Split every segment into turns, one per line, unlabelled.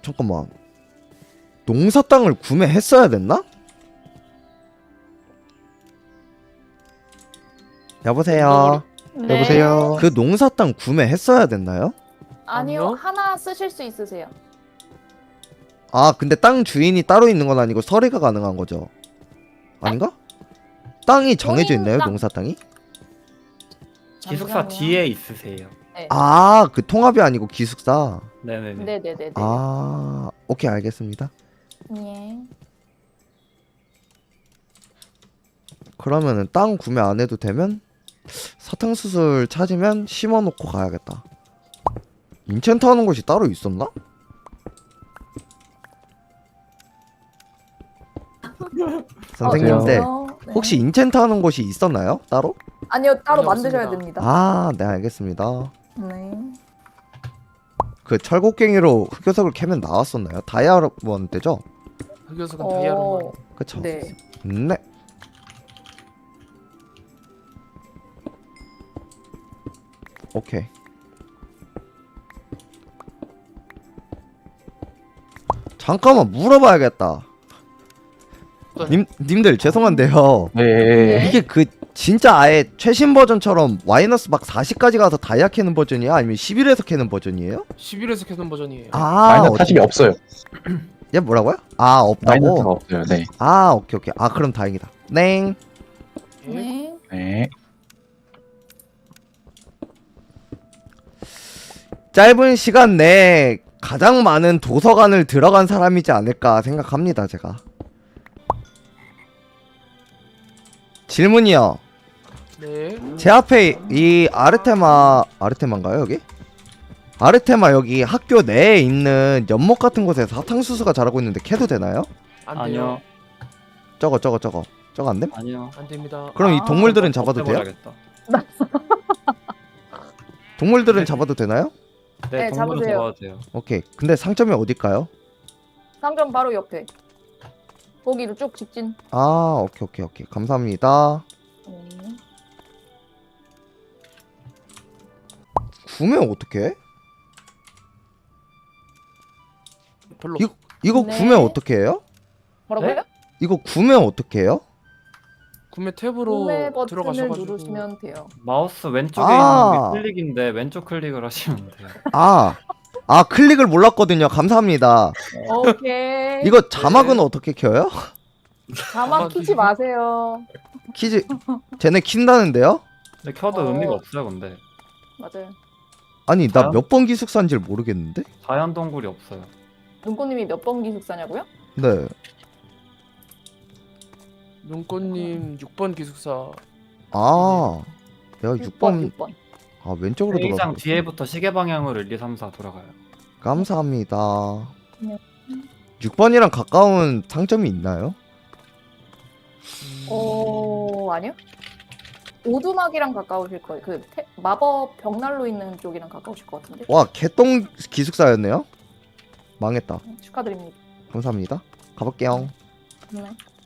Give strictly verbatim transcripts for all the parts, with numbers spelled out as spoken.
잠깐만. 농사 땅을 구매했어야 됐나? 여보세요.
네.
여보세요.
그 농사 땅 구매했어야 됐나요?
아니요,
아니요?
하나 쓰실 수 있으세요.
아 근데 땅 주인이 따로 있는 건 아니고 서리가 가능한 거죠? 아닌가? 땅이 정해져
본인
있나요?
땅.
농사 땅이?
기숙사
잠시만요.
뒤에 있으세요.
네.
아 그 통합이 아니고 기숙사.
네네네.
네네네네.
아 오케이 알겠습니다.
예.
그러면은 땅 구매 안 해도 되면 사탕수술 찾으면 심어놓고 가야겠다. 인챈트 하는 곳이 따로 있었나? 선생님들
어, 네.
혹시 인챈트 하는 곳이 있었나요? 따로?
아니요, 따로
아니요,
만드셔야
없습니다.
됩니다.
아 네 알겠습니다.
네.
그 철곡갱이로 흑요석을 캐면 나왔었나요? 다이아몬드죠?
흑요석은
어,
다이아로만.
그쵸?
네.
네. 오케이. 잠깐만 물어봐야겠다. 님 님들 죄송한데요.
네.
이게 그 진짜 아예 최신 버전처럼 마이너스 막 사십까지 가서 다이아 캐는 버전이야? 아니면 십일에서 캐는 버전이에요?
십일에서 캐는 버전이에요.
아,
마이너스
어디-
사십이 없어요.
얘 뭐라고요? 아,
마이너스가
없다고?
없어요. 네.
아, 오케이, 오케이. 아, 그럼 다행이다. 넹.
네.
네.
짧은 시간 내에 가장 많은 도서관을 들어간 사람이지 않을까 생각합니다, 제가. 질문이요.
네.
제 앞에 이 아르테마, 아르테마인가요, 여기? 아르테마 여기 학교 내에 있는 연못 같은 곳에 사탕수수가 자라고 있는데 캐도 되나요?
안 돼요.
아니요.
저거, 저거, 저거. 저거 안 됨?
아니요.
안 됩니다.
그럼 이
아,
동물들은 잡아도 돼요?
없애버려야겠다.
동물들은 잡아도 되나요?
네,
네,
동물은
잡으세요.
잡아도 돼요.
오케이. 근데 상점이 어딜까요?
상점 바로 옆에. 거기로 쭉 직진.
아, 오케이, 오케이, 오케이. 감사합니다.
네.
구매 어떻게?
별로.
이거 이거
네.
구매 어떻게 해요?
뭐라고요?
네?
이거 구매 어떻게 해요?
구매 탭으로
구매 버튼을
들어가셔가지고.
누르시면 돼요.
마우스 왼쪽에
아.
있는 게 클릭인데 왼쪽 클릭을 하시면 돼요.
아, 아 클릭을 몰랐거든요. 감사합니다.
오케이.
이거 자막은 어떻게 켜요?
자막 키지 마세요.
키즈 쟤네 킨다는데요?
근데 켜도
어.
의미가 없어요, 근데.
맞아요.
아니 나
저요?
몇 번 기숙사인지를 모르겠는데?
자연 동굴이 없어요.
눈꽃님이 몇 번 기숙사냐고요?
네.
눈꽃님 육 번 기숙사.
아, 내가 육 번,
육 번.
아 왼쪽으로
회의장
돌아가.
뒤에부터 시계 방향으로 일, 이, 삼, 사 돌아가요.
감사합니다.
네.
육 번이랑 가까운 상점이 있나요?
어, 아니요. 오두막이랑 가까우실 거예요. 그 태, 마법 벽난로 있는 쪽이랑 가까우실 것 같은데.
와, 개똥 기숙사였네요. 망했다.
축하드립니다.
감사합니다. 가볼게요.
네.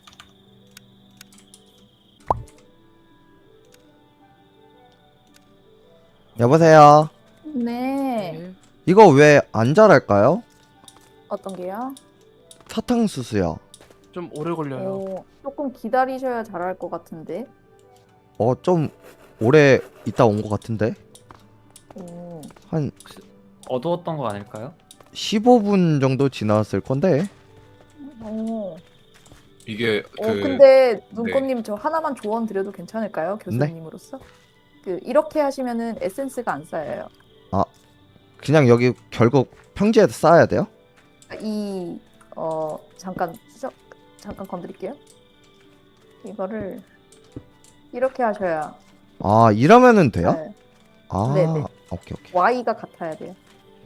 여보세요.
네.
네.
이거 왜 안 자랄까요?
어떤 게요?
사탕수수요.
좀 오래 걸려요.
어, 조금 기다리셔야 잘할 것 같은데.
어, 좀 오래 있다 온 것 같은데?
오.
한
어두웠던 거 아닐까요?
십오 분 정도 지났을 건데?
오.
이게
어,
그
근데 눈꽃님 저 하나만 조언 드려도 괜찮을까요?
네.
교수님으로서? 그 이렇게 하시면은 에센스가 안 쌓여요.
그냥 여기 결국 평지에 쌓아야 돼요?
이 어 잠깐 저, 잠깐 건드릴게요. 이거를 이렇게 하셔야
아, 이러면은 돼요?
네.
아,
네네.
오케이, 오케이.
Y가 같아야 돼요.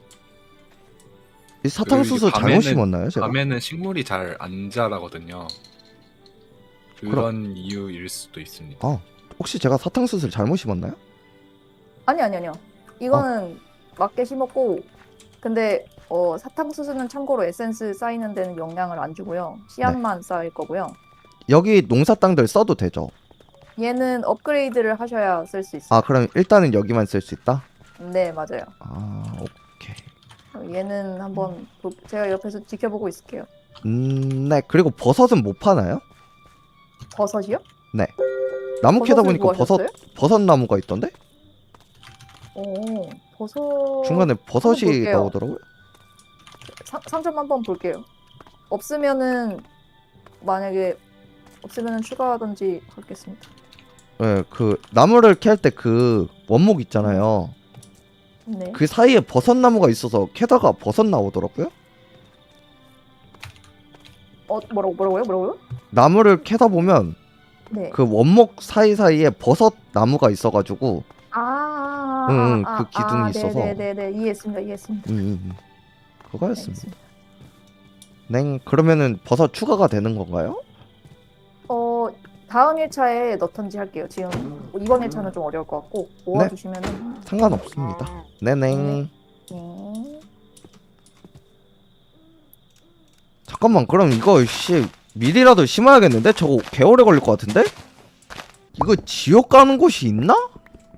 이 사탕수수
그
잘못
밤에는-
심었나요, 제가?
밤에는 식물이 잘 안 자라거든요. 그런 이유일 수도 있습니다.
아, 혹시 제가 사탕수수를 잘못 심었나요?
아니 아니 아니요. 이거는 맞게 심었고 근데 어 사탕수수는 참고로 에센스 쌓이는 데는 영향을 안 주고요. 씨앗만 쌓일 거고요.
여기 농사 땅들 써도 되죠?
얘는 업그레이드를 하셔야 쓸 수 있어요.
아, 그럼 일단은 여기만 쓸 수 있다?
네 맞아요.
아, 오케이.
얘는 한번 볼- 제가 옆에서 지켜보고 있을게요.
음, 네. 그리고 버섯은 못 파나요?
버섯이요?
나무 캐다
버섯을
보니까
뭐
버섯
하셨어요?
버섯 나무가 있던데?
오, 버섯
중간에 버섯이
볼게요.
나오더라고요.
상, 상점 한번 볼게요. 없으면은 만약에 없으면은 추가하든지 하겠습니다.
네, 그 나무를 캘 때 그 원목 있잖아요.
네.
그 사이에 버섯 나무가 있어서 캐다가 버섯 나오더라고요.
어 뭐라고 뭐라고요? 뭐라고요?
나무를 캐다 보면
네.
그 원목 사이사이에 버섯 나무가 있어가지고
아, 아,
응,
아,
응,
아,
그 기둥이
아,
있어서.
네네네 이해했습니다. 이해했습니다.
음, 음, 음. 그거였습니다.
알겠습니다.
냉 그러면은 버섯 추가가 되는 건가요?
어 다음 일 차에 넣던지 할게요. 지금 이번 일 차는 좀 어려울 것 같고 모아주시면은
상관없습니다. 네냉.
네.
잠깐만 그럼 이거 씨 미리라도 심어야겠는데? 저거 개오래 걸릴 것 같은데? 이거 지옥 가는 곳이 있나?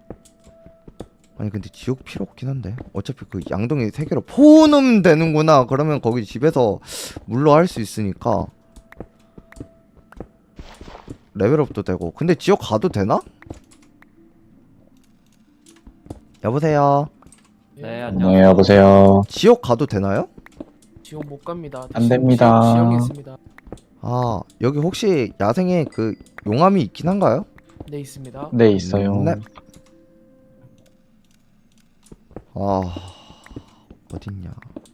아니 근데 지옥 필요 없긴 한데 어차피 그 양동이 세 개로 포는 되는구나. 그러면 거기 집에서 물로 할 수 있으니까 레벨업도 되고. 근데 지옥 가도 되나? 여보세요.
네,
예,
안녕.
네, 여보세요.
지옥 가도 되나요?
지옥 못 갑니다.
안
지-
됩니다.
지옥, 지옥에 있습니다.
아 여기 혹시 야생에 그 용암이 있긴 한가요?
네 있습니다.
네, 있어요.
네. 아 어딨냐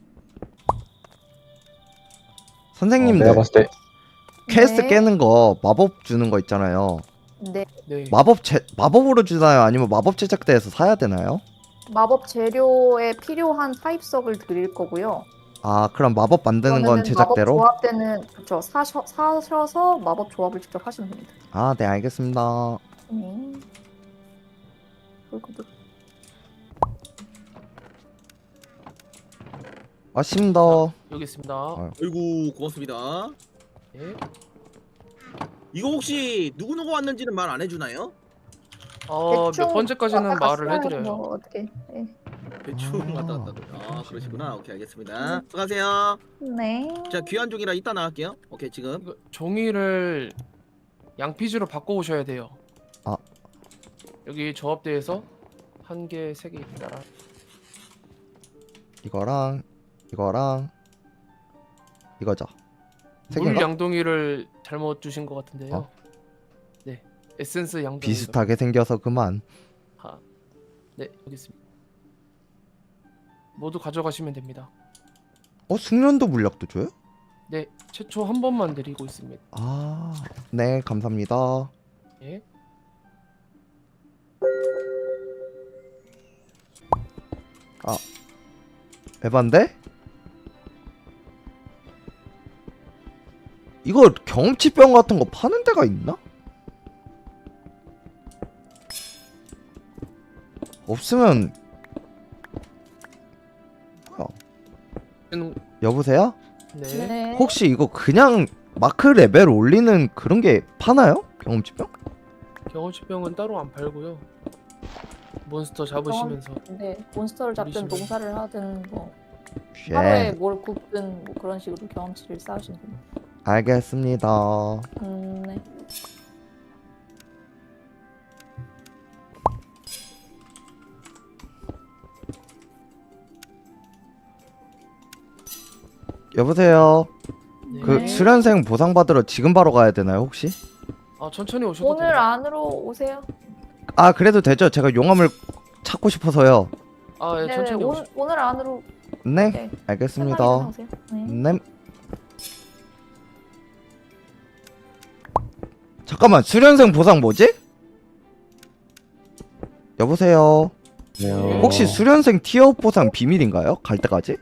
선생님들
내가 봤을 때
퀘스트
네.
깨는 거 마법 주는 거 있잖아요.
네.
네.
마법 제 마법으로 주나요? 아니면 마법 제작대에서 사야 되나요?
마법 재료에 필요한 타입석을 드릴 거고요.
아 그럼 마법 만드는 건
그러면은
제작대로?
마법 조합 때는 그렇죠. 사셔, 사셔서 마법 조합을 직접 하시면 됩니다.
아 네 알겠습니다.
네. 그리고 또-
왔습니다.
여기 있습니다.
아.
아이고 고맙습니다.
예.
이거 혹시 누구 누구 왔는지는 말 안 해주나요?
어, 몇
대충
번째까지는
왔다
말을
갔어요.
해드려요.
뭐 어떻게? 네.
대충
아,
왔다 갔다. 아 그러시구나. 오케이 알겠습니다. 수고하세요.
네.
자 귀한 종이라 이따 나갈게요. 오케이 지금.
이거 종이를 양피지로 바꿔 오셔야 돼요.
아.
여기 조합대에서 한 개, 세 개 있다.
이거랑 이거랑 이거죠. 세
물
개인가?
양동이를 잘못 주신 것 같은데요.
어?
네, 에센스 양동이.
비슷하게 생겨서 그만.
하. 네, 여기 있습니다. 모두 가져가시면 됩니다.
어 숙련도 물약도 줘요?
네, 최초 한 번만 드리고 있습니다.
아 네 감사합니다.
예.
에반데? 이거 경험치병 같은 거 파는 데가 있나? 없으면 뭐야?
음,
여보세요?
네.
네.
혹시 이거 그냥 마크 레벨 올리는 그런 게 파나요? 경험치병?
경험치병은 따로 안 팔고요. 몬스터 잡으시면서
네. 몬스터를 잡든
우리 집은-
농사를 하든 뭐
예
하루에 뭘 굽든 뭐 그런 식으로 경험치를 쌓으시면 됩니다.
알겠습니다.
음, 네.
여보세요?
네.
그 수련생 보상 받으러 지금 바로 가야 되나요 혹시?
아 천천히 오셔도
오늘
됩니다.
안으로 오세요.
아 그래도 되죠. 제가 용암을 찾고 싶어서요.
아 예,
네,
천천히
오,
오시.
오늘 안으로
네
네.
알겠습니다.
편하게 오세요. 네.
네. 잠깐만 수련생 보상 뭐지? 여보세요.
네.
혹시 수련생 티어업 보상 비밀인가요? 갈 때까지?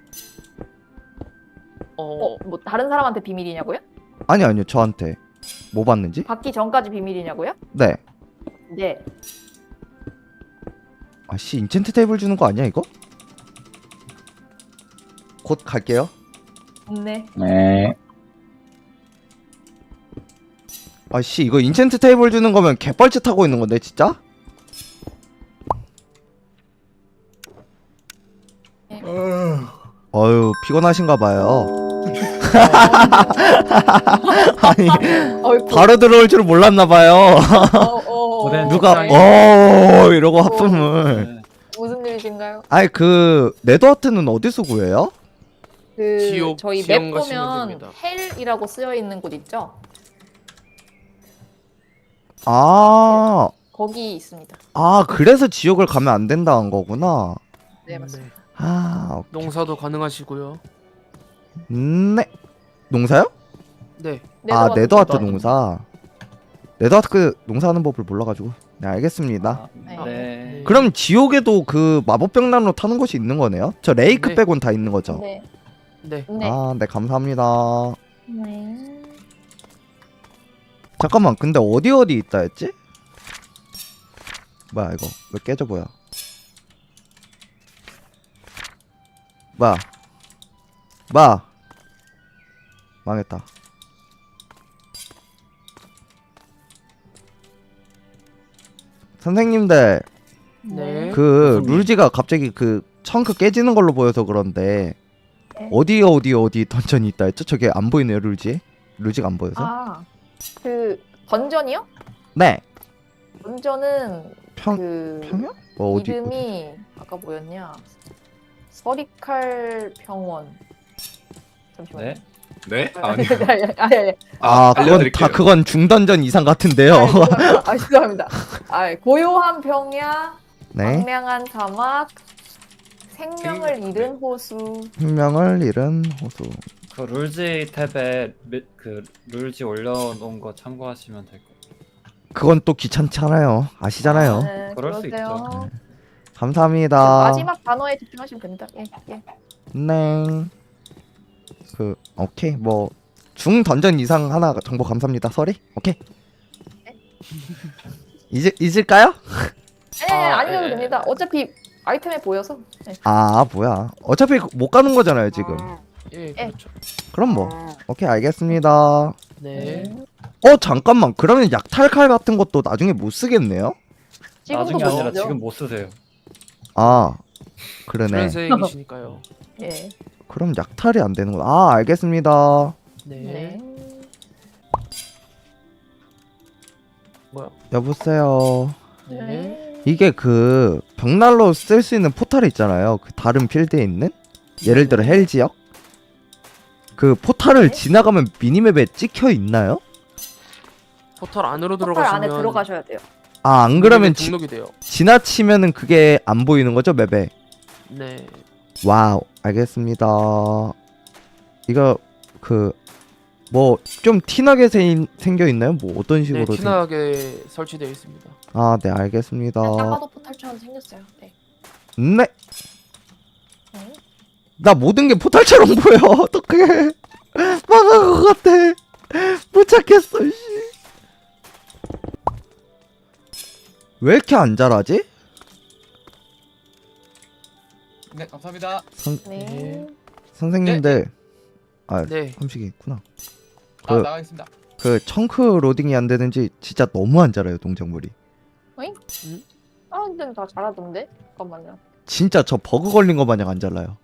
어,
어, 뭐 다른 사람한테 비밀이냐고요?
아니 아니요 저한테 뭐 받는지?
받기 전까지 비밀이냐고요?
네.
네.
아씨 인챈트 테이블 주는 거 아니야 이거? 곧 갈게요.
네.
네.
아씨 이거 인챈트 테이블 주는 거면 개뻘짓 하고 있는 건데 진짜? 피곤하신가 봐요. 아니
어이구.
바로 들어올 줄 몰랐나 봐요.
어, 어,
고된
어.
누가
적당히.
어 이러고 하품을.
네.
무슨 일이신가요?
아니 그 네드하트는 어디서 구해요?
그
지옥,
저희
지옥
맵
가시면
보면
됩니다.
헬이라고 쓰여 있는 곳 있죠?
아,
거기 있습니다.
아 그래서 지옥을 가면 안 된다는 거구나.
네, 맞습니다.
아,
농사도 가능하시고요.
네. 농사요?
네.
아
네더와트
네드하트
네더하트.
농사. 네드하트 그 농사하는 법을 몰라가지고. 네 알겠습니다.
아,
네.
네.
그럼 지옥에도 그 마법병난로 타는 곳이 있는 거네요? 저 레이크
네.
빼곤 다 있는 거죠?
네.
네.
네.
아, 네 감사합니다.
네.
잠깐만, 근데 어디 어디 있다 했지? 뭐야 이거 왜 깨져 보여? 뭐야? 뭐야? 망했다. 선생님들
네.
그
무슨 일?
룰지가 갑자기 그 청크 깨지는 걸로 보여서 그런데
네.
어디 어디 어디 던전이 있다 했죠? 저게 안 보이네요 룰지. 룰지가 안 보여서.
아, 그 던전이요?
네.
던전은
평
그
평야? 뭐 어디?
이름이 아까 뭐였냐? 서리칼 병원. 잠시만요.
네.
네?
아니,
아니.
아니, 아니, 아니.
아, 그건
알려드릴게요.
다 그건 중던전 이상 같은데요.
아니, 죄송합니다. 아, 죄송합니다. 아, 고요한 평야,
네.
광량한 사막, 생명을
생-
잃은 호수.
생명을 잃은 호수.
그 룰지 탭에 미- 그 룰지 올려놓은 거 참고하시면 될 거예요.
그건 또 귀찮잖아요. 아시잖아요.
네,
그럴 수
그러세요.
감사합니다.
마지막 단어에 집중하시면 됩니다. 예, 예.
네. 그 오케이 뭐 중던전 이상 하나 정보 감사합니다. 서리. 오케이. 잊을 잊을까요?
아니, 아니,
아,
안 잊어도
예.
됩니다. 어차피 아이템에 보여서. 네.
아 뭐야. 어차피 못 가는 거잖아요 지금.
예,
예.
그렇죠.
그럼 뭐 오케이 알겠습니다.
네.
어 잠깐만 그러면 약탈칼 같은 것도 나중에 못 쓰겠네요?
지금도
나중에 아니라
보죠.
지금 못 쓰세요.
아 그러네.
프랜색이시니까요.
예.
그럼 약탈이 안 되는구나. 아 알겠습니다.
네.
네.
뭐야?
여보세요.
네.
이게 그 벽난로 쓸 수 있는 포탈이 있잖아요. 그 다른 필드에 있는 예를 들어 헬 지역 그 포탈을
네.
지나가면 미니맵에 찍혀 있나요?
포털 안으로
포털
들어가시면
안에 들어가셔야 돼요.
아 안 그러면 지,
등록이 돼요.
지나치면은 그게 안 보이는 거죠 맵에.
네.
와우 알겠습니다. 이거 그 뭐 좀 티나게 생, 생겨 있나요? 뭐 어떤
네,
식으로? 생...
티나게 설치되어 있습니다.
아 네 알겠습니다.
그냥 딱 봐도 포탈처럼 생겼어요. 네.
네.
네.
나 모든 게 포탈처럼 보여. 어떡해. 망한 것 같아. 못 찾겠어. 씨. 왜 이렇게 안 자라지?
네, 감사합니다.
선,
네.
선생님들. 아
네.
함식이 있구나.
아,
그,
나가겠습니다.
그 청크 로딩이 안 되는지 진짜 너무 안 자라요 동작물이.
다른 데는 다 잘하던데? 잠깐만요.
진짜 저 버그 걸린 거 마냥 안 잘라요.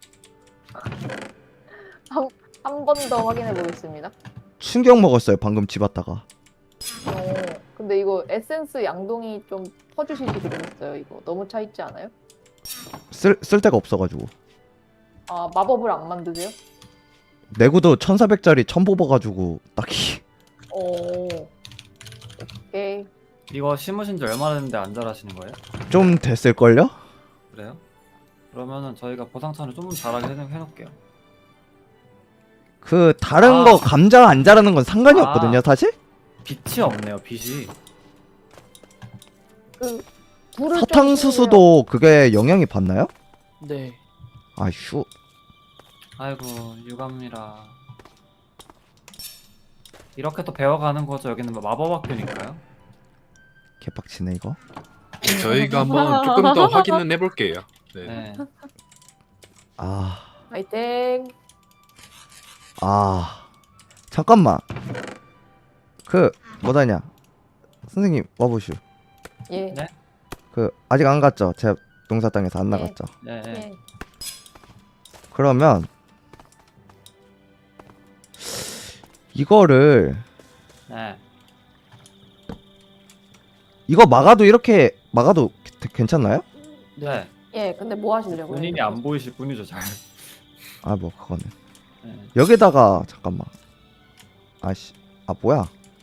한 번 더 확인해 보겠습니다.
충격 먹었어요 방금 집 왔다가.
어, 근데 이거 에센스 양동이 좀 퍼주시지 그랬어요. 이거 너무 차 있지 않아요?
쓸, 쓸 데가 없어가지고.
아, 마법을 안 만드세요?
내구도 천사백짜리 천 뽑아가지고 딱히.
오. 오케이.
이거 심으신 지 얼마나 됐는데 안 자라시는 거예요?
좀 됐을걸요?
그래요? 그러면은 저희가 보상차를 좀 잘하게 해- 해놓을게요.
그 다른
아.
거 감자 안 자라는 건 상관이
아.
없거든요 사실?
빛이 없네요. 빛이.
그 불을 좀
사탕수수도 그게 영향이 받나요?
네.
아휴.
아이고 유감이라. 이렇게 또 배워가는 거죠. 여기는 뭐 마법학교니까요.
개빡치네 이거.
저희가 한번 조금 더 확인은 해볼게요. 네.
네.
아,
화이팅.
아, 잠깐만. 그 뭐다냐? 선생님 와보슈.
예.
네?
그 아직 안 갔죠? 제 농사 땅에서 안
네.
나갔죠?
네. 네.
예.
그러면 이거를
네.
이거 막아도 이렇게 막아도 게- 괜찮나요?
네.
예, 근데 뭐 하시려고요?
본인이 안 보이실 뿐이죠, 잘.
아 뭐 그거는
네.
여기다가 잠깐만 아씨 아 뭐야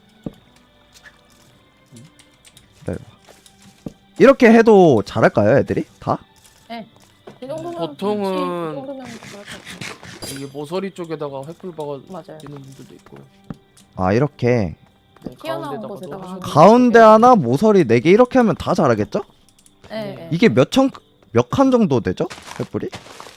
기다려봐 이렇게 해도 잘할까요 애들이 다?
이 정도면
보통은-
그렇지, 이 정도면 그럴 것 같아요.
이게 모서리 쪽에다가 횃불 박아
맞아요.
있는 분들도 있고.
아 이렇게
네,
튀어나온
가운데다가도
곳에다가
하셔도
하는
가운데 하나 모서리 네 개 이렇게 하면 다 잘하겠죠?
예, 예.
이게 몇 천 몇 칸 정도 되죠? 횃불이?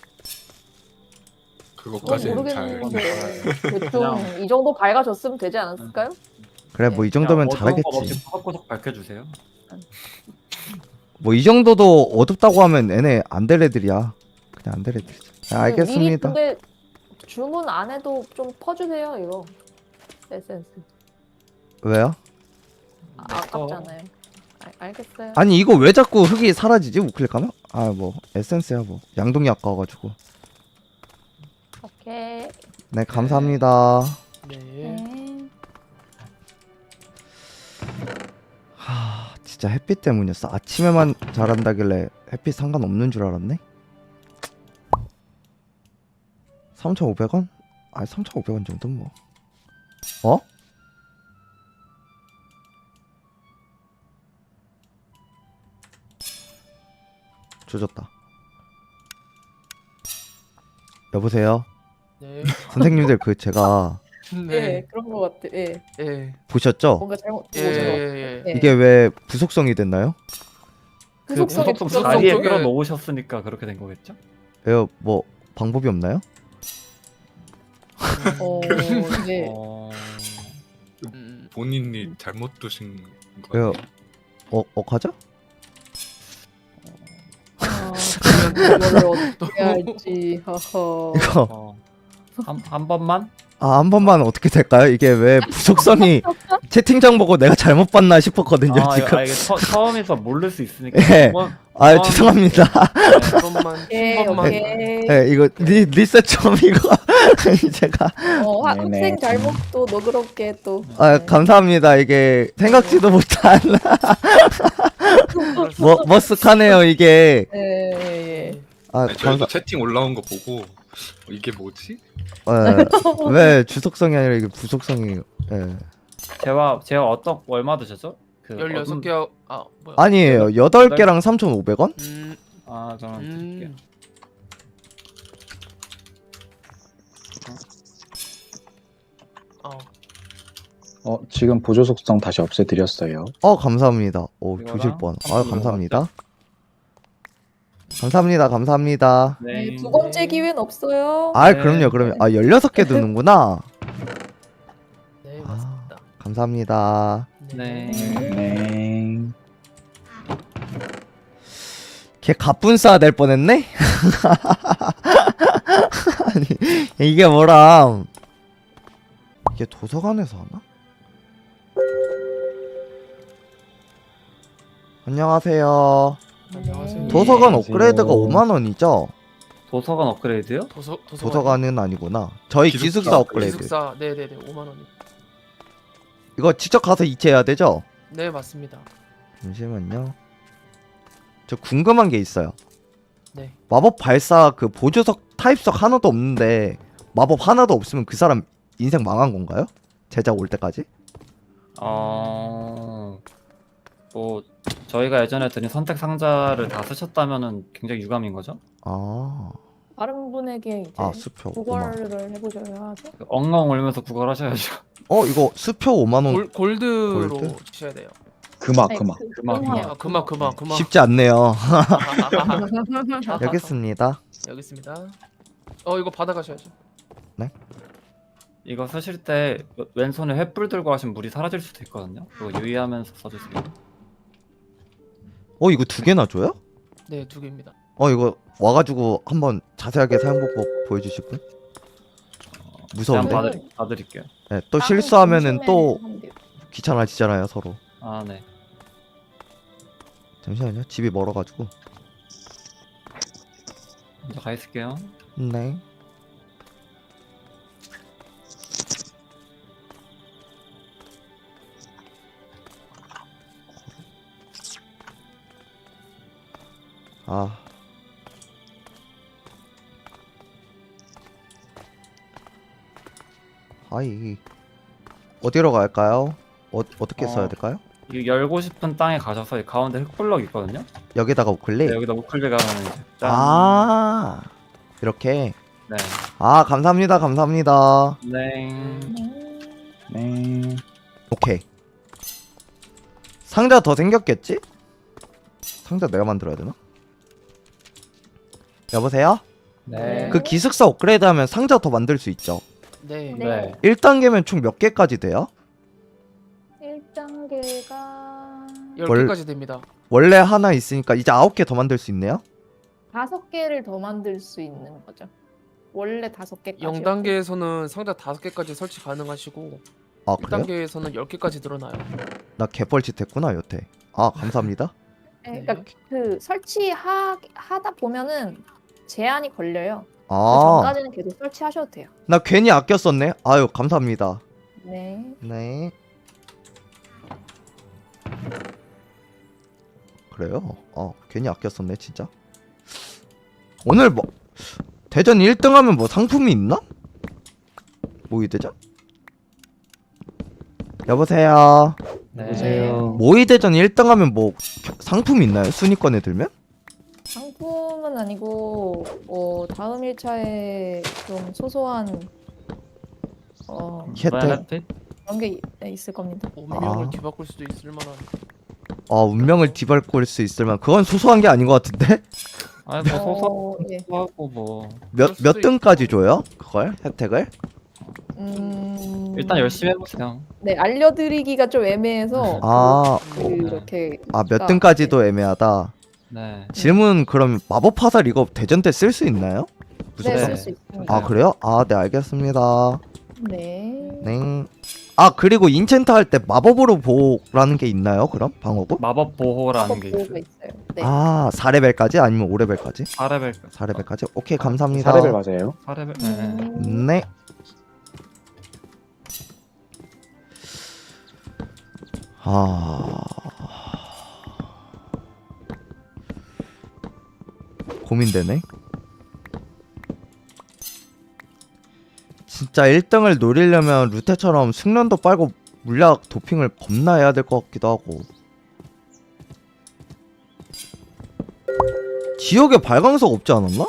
그건
그것까지는 잘
모르겠는데 대충 이 정도 밝아졌으면 되지 않았을까요?
그래 뭐 이 정도면
그냥 어두운 거
잘하겠지
없이 구석구석 밝혀주세요.
뭐 이 정도도 어둡다고 하면 얘네 안 될 애들이야 그냥 안 될 애들이지 네,
미리
알겠습니다
근데 주문 안 해도 좀 퍼주세요 이거 에센스.
왜요?
아, 아깝잖아요. 알, 알겠어요.
아니 이거 왜 자꾸 흙이 사라지지 우클릭하면? 아 뭐 에센스야 뭐 양동이 아까워가지고
오케이.
네 감사합니다
네.
네.
하 진짜 햇빛 때문이었어 아침에만 잘한다길래 햇빛 상관없는 줄 알았네 삼천오백 원? 아니 삼천오백 원 정도는 뭐 어? 조졌다 여보세요
네.
선생님들 그 제가
예,
네.
그런 것 같아. 예,
예.
보셨죠?
뭔가 잘못.
예.
뭐죠?
예.
예.
이게 왜 부속성이 됐나요?
그
그
속성에
구석구석
붙여서
자리에
쪽에-
끌어놓으셨으니까 그렇게 된 거겠죠?
왜요? 뭐 방법이 없나요?
어, 네.
어...
음.
본인이 잘못 두신
왜요?
거예요.
어, 어 가자?
아, 이거를 어떻게 할지. 허허.
이거
어... 한, 한 번만?
아 한 번만 어떻게 될까요? 이게 왜 부속성이 채팅창 보고 내가 잘못 봤나 싶었거든요
아, 이거,
지금
아, 이게 처, 처음에서 모를 수 있으니까
예.
한 번,
아
번-
죄송합니다
한 번만.
오케이,
한 번만.
오케이.
네, 이거 리, 리셋 좀 이거 제가
어, 하,
네네.
학생 잘못도 너그럽게 또.
아
네.
감사합니다 이게 생각지도 못한 뭐 머쓱하네요 이게
예, 예, 예.
아
아니, 저희도
감사
채팅 올라온 거 보고 어, 이게 뭐지?
예. 왜 주속성이 아니라 이게 부속성이 예.
제가 제가 어떤 얼마 드셨죠? 그
열여섯 개
어둠-
아, 뭐야?
아니에요 여덟 개랑 삼천오백 원?
음.
아 그럼 드릴게요.
음. 어.
어, 지금 보조 속성 다시 없애드렸어요.
어 감사합니다 오
이거랑
조질 뻔아
한번
감사합니다 감사합니다 감사합니다
네,
네.
두 번째 기회는 없어요.
아
네.
그럼요 그럼요 아 열여섯 개 드는구나
네,
아
맞습니다.
감사합니다
네.
네.
걔 갑분싸 될 뻔했네? 아니 이게 뭐람 이게 도서관에서 하나? 안녕하세요
안녕하세요.
도서관
안녕하세요.
업그레이드가 오만 원이죠?
도서관 업그레이드요?
도서 도서관.
도서관은 아니구나 저희
기숙사
기숙사 업그레이드
기숙사. 네, 네, 네. 오만 원.
이거 직접 가서 이체해야 되죠?
네, 맞습니다.
잠시만요 저 궁금한 게 있어요
네.
마법 발사 그 보조석 타입석 하나도 없는데 마법 하나도 없으면 그 사람 인생 망한 건가요? 제작 올 때까지?
어... 뭐 저희가 예전에 드린 선택 상자를 다 쓰셨다면은 굉장히 유감인 거죠?
아,
다른 분에게 이제
아 수표 오만
구걸을 해보셔야 하죠.
그 엉엉 울면서 구걸하셔야죠.
어 이거 수표 오만 원
골, 골드로
골드?
주셔야 돼요.
그막,
아니,
그막.
그-
그만,
그만.
아, 그만 그만 그만.
쉽지 않네요
아,
여기 있습니다
여기 있습니다. 어, 이거 받아 가셔야죠.
이거 쓰실 때 왼손에 횃불 들고 하시면 물이 사라질 수도 있거든요. 그거 유의하면서 써주세요.
어 이거 두 개나 줘요?
네, 두 개입니다.
어 이거 와가지고 한번 자세하게 사용법고 보여주실 분? 무서운데?
그냥 봐드리, 봐드릴게요.
네, 또
다른
실수하면은 또
점심에 하면 돼요.
귀찮아지잖아요 서로
아 네.
잠시만요 집이 멀어가지고
먼저 가 있을게요.
네 아. 아이. 어디로 갈까요? 어, 어떻게
어.
써야 될까요?
이 열고 싶은 땅에 가셔서 이 가운데 흙블럭 있거든요.
여기다가 우클릭?
네, 여기다 우클릭 하면 이제 짠.
아. 이렇게.
네.
아, 감사합니다. 감사합니다.
네.
네.
오케이. 상자 더 생겼겠지? 상자 내가 만들어야 되나? 여보세요?
네.
그 기숙사 업그레이드 하면 상자 더 만들 수 있죠?
네.
네.
일 단계면 총 몇 개까지 돼요?
일 단계가
열
월-
개까지 됩니다.
원래 하나 있으니까 이제 아홉 개 더 만들 수 있네요?
다섯 개를 더 만들 수 있는 거죠. 원래 다섯 개까지.
영 단계에서는 상자 다섯 개까지 설치 가능하시고
아
일
그래요?
단계에서는 열 개까지 늘어나요.
나 개뻘짓 했구나 여태. 아 감사합니다.
네, 그러니까 그 설치하 하다 보면은 제한이 걸려요. 그
아,
전까지는 계속 설치하셔도 돼요.
나 괜히 아껴 썼네. 아유 감사합니다.
네.
네. 그래요? 어 괜히 아껴 썼네 진짜. 오늘 뭐 대전 일 등 하면 뭐 상품이 있나? 모의 대전? 여보세요.
네.
보세요.
모의 대전 일 등 하면 뭐 겨- 상품이 있나요? 순위권에 들면?
상품은 아니고 어 다음 일 차에 좀 소소한 어
혜택.
베네핏?
그런 게 있- 네, 있을 겁니다.
운명을
아.
뒤바꿀 수도 있을 만한.
아 운명을 뒤바꿀 수 있을 만 그건 소소한 게 아닌 것 같은데?
아니 뭐
어, 예.
소소하고 뭐
몇
수도
몇 등까지 줘요? 그걸 혜택을?
음,
일단 열심히 해보세요.
네, 알려드리기가 좀 애매해서
아,
그, 이렇게
아 몇
아,
등까지도 애매하다.
네.
질문 그럼 마법 화살 이거 대전 때 쓸 수 있나요?
네,
무조건?
쓸 수 있습니다.
아 그래요? 아 네 알겠습니다.
네.
네. 아 그리고 인챈트 할 때 마법으로 보호라는 게 있나요? 그럼 방어구?
마법 보호라는 게
보호가
있어요.
있어요. 네.
아 사 레벨까지 아니면 오 레벨까지?
사 레벨.
사 레벨까지? 오케이 감사합니다.
사 레벨 맞아요.
사 레벨. 네.
음,
네. 아 고민되네. 진짜 일 등을 노리려면 루테처럼 숙련도 빨고 물약 도핑을 겁나 해야 될 것 같기도 하고. 지역에 발광석 없지 않았나?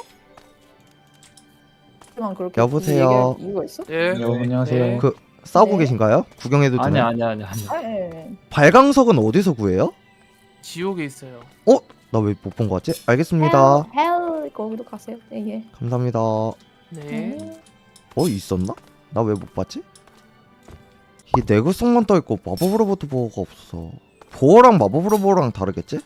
하지만 그렇게
여보세요?
얘기할 이유가 있어?
예.
네, 안녕하세요.
네.
그 싸우고
네.
계신가요? 구경해도
아니
되나요?
아니 아니 아니.
아, 예.
발광석은 어디서 구해요?
지옥에 있어요.
나 왜 못 본 것 같지? 알겠습니다.
헬, 헬 거기로 가세요. 네, 예.
감사합니다.
네.
어 있었나? 나 왜 못 봤지? 이 내구성만 떠있고 마법으로부터 보호가 없어. 보호랑 마법으로 보호랑 다르겠지?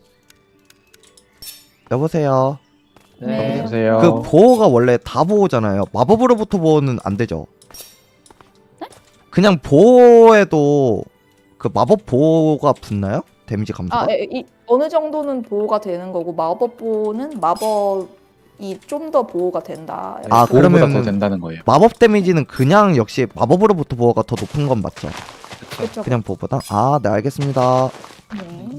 여보세요.
네.
보세요.
그 보호가 원래 다 보호잖아요. 마법으로부터 보호는 안 되죠. 그냥 보호에도 그 마법 보호가 붙나요? 데미지 감소가?
아, 예, 이 어느 정도는 보호가 되는 거고 마법 보호는 마법이 좀 더 보호가 된다.
아,
보호보다
그러면은-
더 된다는 거예요.
마법 데미지는 그냥 역시 마법으로부터 보호가 더 높은 건 맞죠?
그렇죠.
그냥 보호보다? 아, 네 알겠습니다.
네.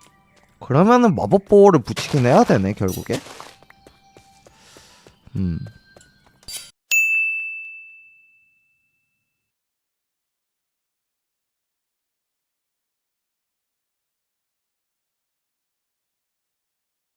그러면은 마법 보호를 붙이긴 해야 되네 결국에. 음.